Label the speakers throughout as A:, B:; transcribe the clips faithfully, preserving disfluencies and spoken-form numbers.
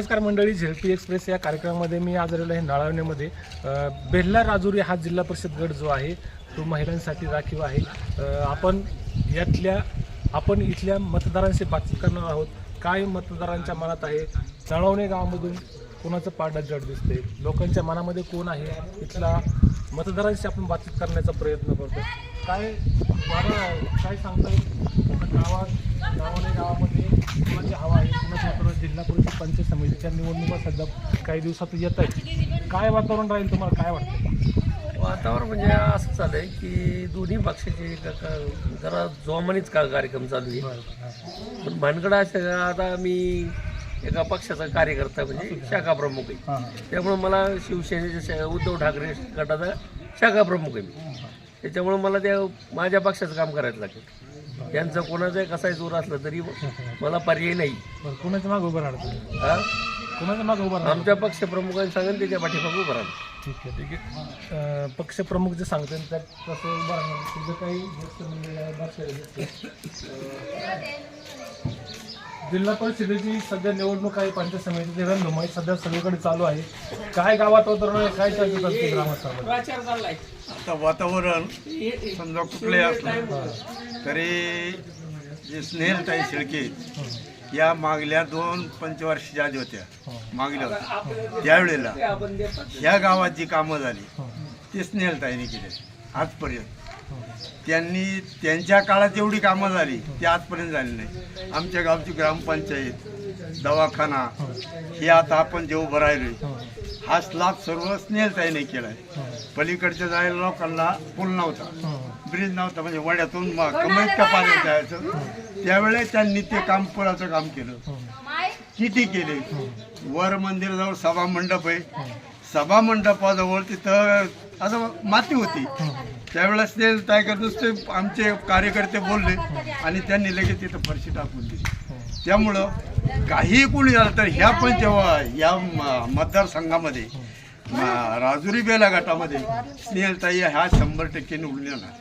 A: नमस्कार मंडळी, ZP express या कार्यक्रमामध्ये मी आज आलेलो आहे नाळवण्यामध्ये. बेल्ला राजुरी हा जिल्हा परिषद गट जो आहे तो महिलांसाठी राखीव आहे. आपण यातल्या आपण इथल्या मतदारांशी बातचीत करणार आहोत. काय मतदारांच्या मनात आहे, नाळवणे गावामधून कोणाचं पारडं जड दिसते, लोकांच्या मनामध्ये कोण आहे, इथला मतदारांशी आपण बातचीत करण्याचा प्रयत्न करतो. काय मला काय सांगता येईल गावात नाळवणे गावामध्ये कोणाची हवा आहे, कोणाची वातावरण? जिल्हा परिषद पंचायत समितीच्या निवडणुका सध्या काही दिवसात येत आहेत. काय वातावरण राहील, तुम्हाला काय वाटतं?
B: वातावरण म्हणजे असं चालू आहे की दोन्ही पक्षाचे जरा जोमानेच का कार्यक्रम चालू आहे. पण भानगड असं आता मी एका पक्षाचा कार्यकर्ता म्हणजे शाखा प्रमुख आहे, त्यामुळे मला शिवसेनेच्या उद्धव ठाकरे गटाचा शाखा प्रमुख आहे मी. त्याच्यामुळे मला त्या माझ्या पक्षाचं काम करायचं लागेल. त्यांचं कोणाचाही कसाही जोर असला तरी मला पर्याय नाही.
A: कोणाच्या मागे उभं राहणार?
B: हा,
A: कोणाच्या मागे उभं राहणार?
B: आमच्या पक्षप्रमुखांनी सांगेल त्याच्या पाठीमागे उभं राहणार.
A: ठीक आहे ठीक आहे. पक्षप्रमुख जे सांगतात त्यात कसं उभं राहणार तुझं काही जिल्हा परिषदेची सध्या निवडणूक आहे, पंचायत समितीची रणधुमाळी सध्या सगळीकडे चालू आहे. काय गावात वातावरण आहे, काय चर्चा चालते ग्रामस्थांमध्ये?
C: आता वातावरण समजा कुठलंही असलं तरी जे स्नेहलताई शेळके या मागल्या दोन पंचवार्षिक आधी होत्या, मागल्या होत्या त्यावेळेला ह्या गावात जी कामं झाली ती स्नेहलताईने केली आजपर्यंत. त्यांनी त्यांच्या काळात एवढी कामं झाली ती आजपर्यंत झाली नाही. आमच्या गावची ग्रामपंचायत, दवाखाना हे आता आपण जे उभं राहिलो हा स्लॅब सर्व स्नेहलताईने केला आहे. पलीकडच्या जायला लोकांना पूल नव्हता, ब्रिज नव्हता, म्हणजे वड्यातून कमीत का पाणी जायचं. त्यावेळेस त्यांनी ते काम पुलाचं काम केलं, किती केले. वर मंदिराजवळ सभा मंडप आहे, सभा मंडपाजवळ तिथं असं माती होती. त्यावेळेस ते काय करत नुसते आमचे कार्यकर्ते बोलले आणि त्यांनी लगेच तिथं फरशी टाकून दिली. त्यामुळं काही कोणी झालं तर ह्या पण जेव्हा या मतदारसंघामध्ये राजुरी बेला गटामध्ये स्नेहलताई ह्या शंभर टक्के निवडून येणार.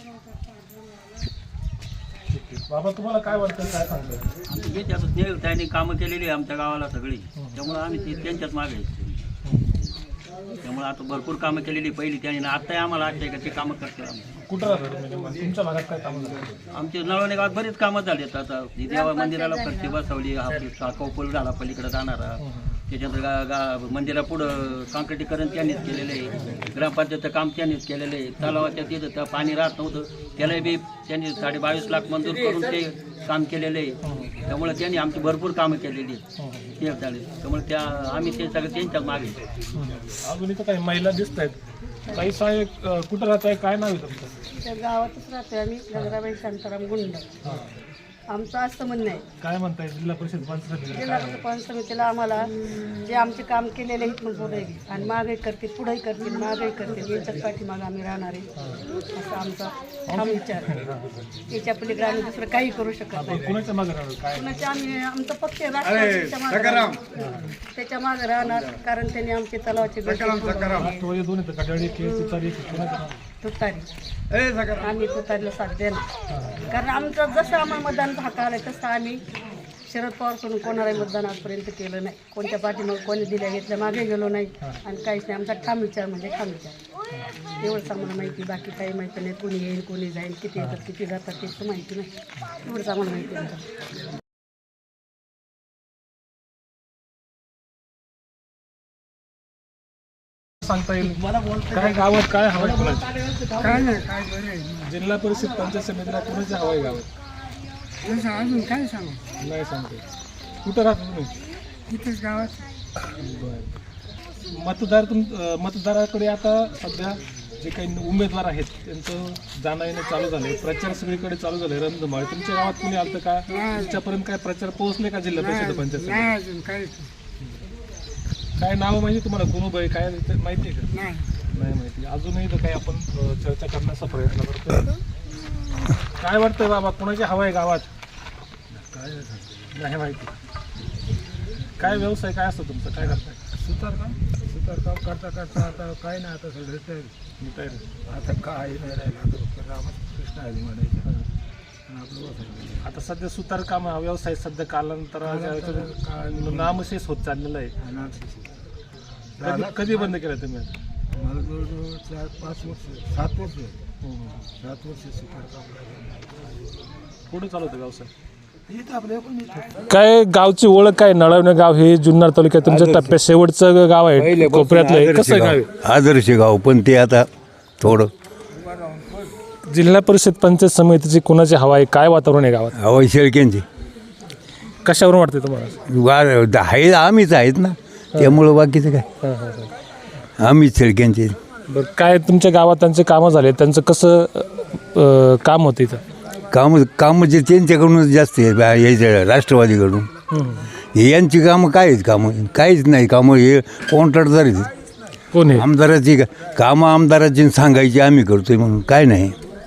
A: बाबा तुम्हाला काय वाटतं, काय सांगतात?
D: मी त्याचं स्नेहलताईंनी कामं केलेली आहे आमच्या गावाला सगळी, त्यामुळे आम्ही ते त्यांच्याच मागे आहे. त्यामुळे आता भरपूर कामं केलेली पहिली त्यांनी, आत्ताही आम्हाला आजच्या का ते कामं करते. आम्ही
A: कुठं राहतो तुमच्या भागात, काय कामं झालं?
D: आमच्या नळवणे गावात बरीच कामं झाली आहेत. आता देवा मंदिराला फरशी बसवली, कौपल झाला पलीकडे जाणारा, त्याच्यानंतर गा गा मंदिरापुढं काँक्रिटीकरण त्यांनीच केलेलं आहे. ग्रामपंचायतचं काम त्यांनीच केलेलं आहे. तलावाच्या तिथं त्या पाणी राहत नव्हतं, त्याला बी त्यांनी साडे बावीस लाख मंजूर करून ते काम केलेलं आहे. त्यामुळे त्यांनी आमची भरपूर कामं केलेली आहेत ते झाले. त्यामुळे त्या आम्ही ते सगळं त्यांच्याच मागे.
A: अजून इथं काही महिला दिसत आहेत, काही साहेब कुठं राहत आहे, काय नाव आहे तुमचं?
E: त्या गावातच राहतोय आम्ही, गंगाबाई शांताराम गुंड. आमचं असं म्हणणं आहे,
A: काय म्हणताय जिल्हा परिषद पंचायत
E: जिल्हा परिषद पंचायत समितीला आम्हाला जे आमचे काम केलेले आहेत मग पुढे आणि मागे करतील, पुढेही करतील, मागेही करतील, यांच्याच पाठीमागं आम्ही राहणार आहे असा आमचा ठाम विचार आहे. याच्या पलीकडे आम्ही दुसरं काही करू शकत नाही.
A: कुणाच्या मागे राहणार? काय
E: कुणाच्या आम्ही आमचा पक्ष राष्ट्रवादीच्या मागे राहणार. त्याच्या मागे राहणार, कारण त्यांनी आमचे तलावाचे
A: राष्ट्रवादी दोन येतं, कटाळी केस तुतारी कुणाचं?
E: तुतारी. आम्ही तुतारीला साथ देणार, कारण आमचं जसं आम्हाला मतदानाचा हक्क आलाय तसं आम्ही शरद पवार करून कोणालाही मतदान आजपर्यंत केलं नाही. कोणत्या पाठीमाग कोणी दिल्या घेतल्या मागे गेलो नाही आणि काहीच नाही. आमचा ठाम विचार म्हणजे ठाम विचार, एवढंच आम्हाला माहिती. बाकी काही माहिती नाही, कोणी येईल कोणी जाईल, किती येतात किती जातात तेच माहिती नाही. एवढंच आम्हाला माहिती आहे.
A: सांगता येईल काय गावात काय हवं आहे?
F: काय नाही, काय बरं
A: जिल्हा परिषद पंचायत समितीला कोणाची हवं आहे गावात?
F: आहे अजून काय सांगू.
A: नाही सांगते. कुठं राहतो तुम्ही?
F: इथेच गावात.
A: बरं. मतदार तुम मतदाराकडे आता सध्या जे काही उमेदवार आहेत त्यांचं जाणं येणं चालू झालं आहे, प्रचार सगळीकडे चालू झालं आहे. रणधुमाळी तुमच्या गावात कुणी आलं का? तुमच्यापर्यंत काय प्रचार पोहोचले का जिल्हा परिषद पंचायत?
F: नाही अजून काही
A: काय नाव माहिती तुम्हाला, कोण उभं आहे काय माहिती आहे का?
F: नाही
A: नाही माहिती. अजूनही तर काही आपण चर्चा करण्याचा प्रयत्न करतो. काय वाटतंय बाबा, कोणाची हवा आहे गावात? काय नाही माहिती. काय व्यवसाय काय असतो तुमचा, काय करताय?
F: सुतारकाम सुतारकाम करता करता आता काय नाही, आता सगळं तयारी आता काय नाही राहिलं. आता रामकृष्ण आधी म्हणायचं
A: आता सध्या सुतारकाम हा व्यवसाय सध्या कालांतराच्या नामशेष होत चाललेला आहे. कधी कधी बंद केला तुम्ही आता?
F: मला जवळजवळ चार पाच वर्ष सात वर्ष सात वर्ष
A: कुठं चालू होतं व्यवसाय?
F: इथं आपल्या पण इथं
A: काय गावची ओळख काय? नळवणे गाव हे जुन्नर तालुक्यात तुमच्या टप्प्यात शेवटचं गाव आहे, कोपऱ्यातलं आहे. कसं गाव आहे?
G: आदर्श गाव, पण ते आता थोडं
A: जिल्हा परिषद पंचायत समितीची कुणाची हवा आहे? काय वातावरण आहे गावात?
G: हवाई शेळक्यांची
A: कशावरून वाटते तुम्हाला?
G: वार आहे, आम्हीच आहेत ना, त्यामुळं बाकीचं काय, आम्हीच शेळक्यांचे.
A: बरं, काय तुमच्या गावात त्यांचे कामं झाले, त्यांचं कसं अं, काम होतं इथं?
G: काम कामं जे त्यांच्याकडूनच जास्त आहे, याच्या राष्ट्रवादीकडून. हे यांची कामं काय आहेत? कामं काहीच नाही. कामं हे कॉन्ट्रॅक्टदार आहेत.
A: कोण आहे?
G: आमदाराची का कामं आमदाराची सांगायची आम्ही करतोय म्हणून काय नाही,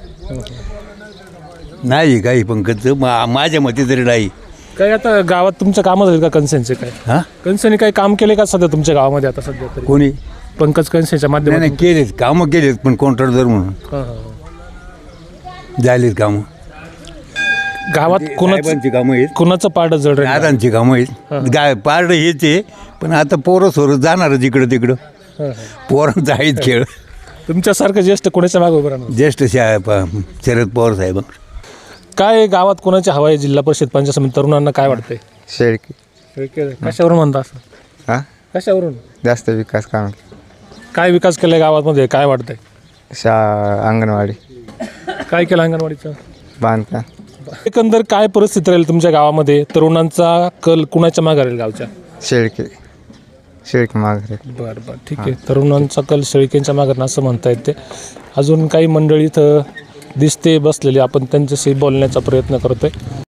G: नाही काही पंकज मा माझ्या मते तरी नाही.
A: काय आता गावात तुमच्या कामं झाले का कन्सेनचे? काय
G: हां,
A: कन्सेने काही काम केले का सध्या तुमच्या गावामध्ये आता सध्या तरी?
G: कोणी
A: पंकज कन्सेच्या
G: नाही
A: माध्यमातून?
G: नाही केलेत कामं, केलेत, पण कॉन्ट्रॅक्टदार म्हणून
A: हां, हां, हां.
G: झालीत कामं.
A: गावात कुणाचं
G: साहेबांची कामं आहेत,
A: कुणाचं पारडं जड राहील?
G: दादांची कामं आहेत. गाय पारडं हेच आहे, पण आता पोरं सोरं जाणारच इकडं तिकडं.
A: हां, हां.
G: पोरांचा आहेत खेळ.
A: तुमच्यासारखं ज्येष्ठ कोणाच्या मागे उभं राहणार?
G: ज्येष्ठ शा प- शरद पवार साहेब.
A: काय गावात कोणाची हवा आहे जिल्हा परिषद पंचायत समिती? तरुणांना काय वाटतंय?
H: शेळकी
A: कशावरून म्हणता असं?
H: हां
A: कशावरून?
H: जास्त विकास काम
A: काय विकास केलाय गावामध्ये? काय वाटतंय?
H: शा अंगणवाडी
A: काय केलं अंगणवाडीचं?
H: बांधकाम
A: एकंदर काय परिस्थिती राहील तुमच्या गावामध्ये? तरुणांचा कल कुणाच्या मागे राहील गावच्या?
H: शेळके शेळके माघारे
A: बरं बरं, ठीक आहे. तरुणांचा कल शेळकेंच्या मागे असं म्हणता येते. अजून काही मंडळी इथं दिसते बसलेली, आपण त्यांच्याशी बोलण्याचा प्रयत्न करतोय.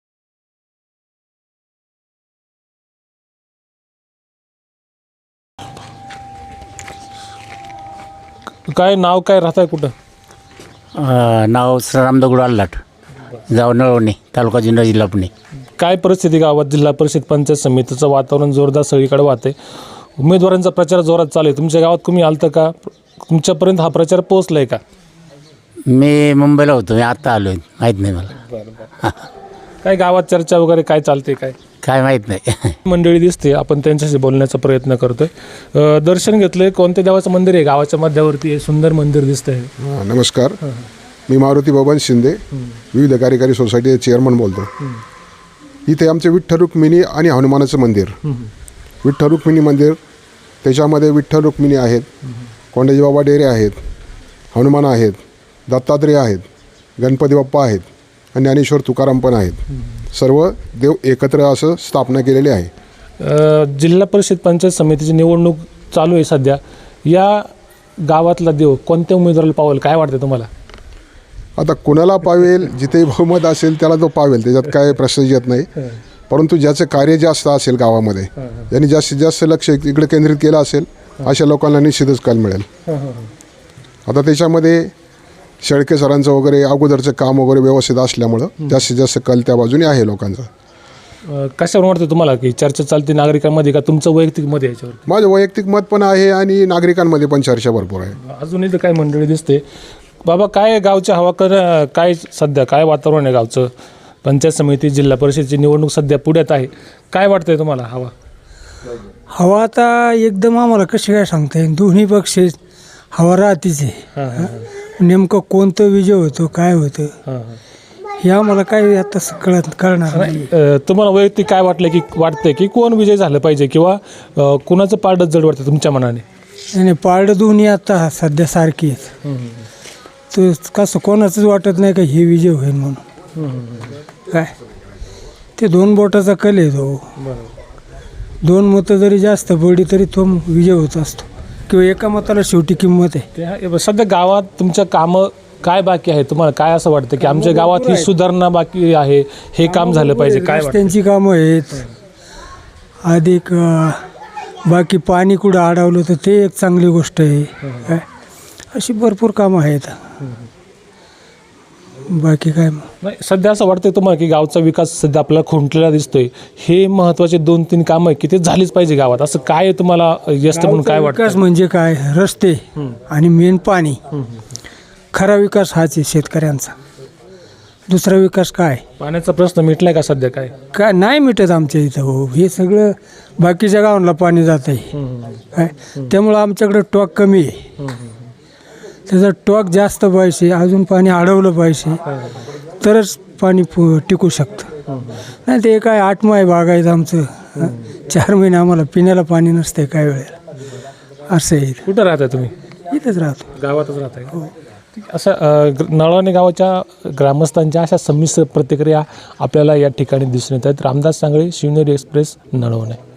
A: काय नाव काय राहताय कुठं?
I: नाव श्रीराम दगडू आल्लाट, गाव नळवणे, तालुका जुन्नर, जिल्हा पुणे.
A: काय परिस्थिती गावात? जिल्हा परिषद पंचायत समितीचं वातावरण जोरदार सगळीकडे वाहते. उमेदवारांचा प्रचार जोरात चालू आहे. तुमच्या गावात तुम्ही आलतं का? तुमच्यापर्यंत हा प्रचार पोहोचलाय का?
I: मी मुंबईला होतो, मी आत्ता आलो आहे, माहीत नाही मला.
A: काय गावात चर्चा वगैरे काय चालते? काय
I: काय माहीत नाही.
A: मंडळी दिसते, आपण त्यांच्याशी बोलण्याचा प्रयत्न करतोय. अ, दर्शन घेतलंय. कोणत्या देवाचं मंदिर आहे? गावाच्या मध्यावरती हे सुंदर मंदिर दिसतंय.
J: हां, नमस्कार. मी मारुती बबन शिंदे, विविध कार्यकारी सोसायटीचे चेअरमन बोलतो. इथे आमचे विठ्ठल रुक्मिणी आणि हनुमानाचं मंदिर. विठ्ठल रुक्मिणी मंदिर, त्याच्यामध्ये विठ्ठल रुक्मिणी आहेत, कोंडाजी बाबा डेरे आहेत, हनुमान आहेत, दत्तात्रेय आहेत, गणपती बाप्पा आहेत आणि ज्ञानेश्वर तुकाराम पण आहेत. सर्व देव एकत्र असं स्थापना केलेली आहे.
A: अ, जिल्हा परिषद पंचायत समितीची निवडणूक चालू आहे सध्या. या गावातला देव कोणत्या उमेदवाराला पावेल? काय वाटतं तुम्हाला?
J: आता कुणाला पावेल, जिथे बहुमत असेल त्याला तो पावेल, त्याच्यात काय प्रश्न येत नाही. परंतु ज्याचं कार्य जास्त असेल गावामध्ये, ज्यांनी जास्तीत जास्त लक्ष इकडे केंद्रित केलं असेल, अशा लोकांना निश्चितच कल मिळेल. आता त्याच्यामध्ये शेळके सरांचं वगैरे अगोदरचं काम वगैरे व्यवस्थित असल्यामुळं जास्तीत जास्त कल त्या बाजूने आहे लोकांचा.
A: अ, कशावरून वाटतं तुम्हाला की चर्चा चालते नागरिकांमध्ये का तुमचं वैयक्तिक मत आहे याच्यावर?
J: माझं वैयक्तिक मत पण आहे आणि नागरिकांमध्ये पण चर्चा भरपूर आहे.
A: अजून इथं काय मंडळी दिसते. बाबा, काय गावच्या हवा कर काय सध्या काय वातावरण आहे गावचं? पंचायत समिती जिल्हा परिषदेची निवडणूक सध्या पुढ्यात आहे. काय वाटतंय तुम्हाला हवा?
F: हवा आता एकदम आम्हाला कशी काय सांगता येईल, दोन्ही पक्ष हवा राहतीच आहे. नेमकं कोणतं विजय होतो, काय होतं हे आम्हाला काय आता कळत कळणार नाही.
A: अ, तुम्हाला वैयक्तिक काय वाटलं की वाटतंय की कोण विजय झालं पाहिजे किंवा अ, कुणाचं पारडं जड वाटतं तुमच्या मनाने?
F: आणि पारडं दोन्ही आता सध्या सारखी आहेत. तर कसं कोणाचंच वाटत नाही का हे विजय होईल म्हणून. काय ते दोन बोटाचा कल आहे तो. दोन मतं जरी जास्त पडली तरी तो विजय होत असतो, किंवा एका मताला शेवटी किंमत आहे.
A: त्या सध्या गावात तुमच्या कामं काय बाकी आहे? तुम्हाला काय असं वाटतं की आमच्या गावात ही सुधारणा बाकी आहे, हे काम झालं पाहिजे? काय वाटतं?
F: रस्त्यांची कामं आहेत, अधिक अं, बाकी पाणी कुठं अडवलं तर ते एक चांगली गोष्ट आहे. काय अशी भरपूर कामं आहेत. बाकी काय मग
A: नाही, सध्या असं वाटतंय तुम्हाला की गावचा विकास सध्या आपल्याला खुंटलेला दिसतोय, हे महत्त्वाचे दोन तीन कामं आहे की ते झालीच पाहिजे गावात, असं काय तुम्हाला यस्त म्हणून काय
F: विकास
A: वाटतं?
F: म्हणजे काय, रस्ते आणि मेन पाणी. खरा विकास हाच आहे शेतकऱ्यांचा. दुसरा विकास काय
A: पाण्याचा प्रश्न मिटलाय का सध्या काय?
F: काय नाही मिटत आमच्या इथं हो. हे सगळं बाकीच्या गावांना पाणी जात आहे काय, त्यामुळं आमच्याकडे टॉक कमी आहे. त्याचा टॉक जास्त पाहिजे, अजून पाणी अडवलं पाहिजे तरच पाणी पु- टिकू शकतं. नाही ते काय आठ माय बागायचं आमचं, हं. चार महिने आम्हाला पिण्याला पाणी नसते काय वेळेला, असं आहे.
A: कुठं राहताय तुम्ही?
F: इथंच राहतो.
A: गावातच राहताय का? असं अ, ग- नळवणे गावाच्या ग्रामस्थांच्या अशा संमिश्र प्रतिक्रिया आपल्याला या ठिकाणी दिसून येत आहेत. रामदास सांगळे, शिवनेरी एक्सप्रेस, नळवणे.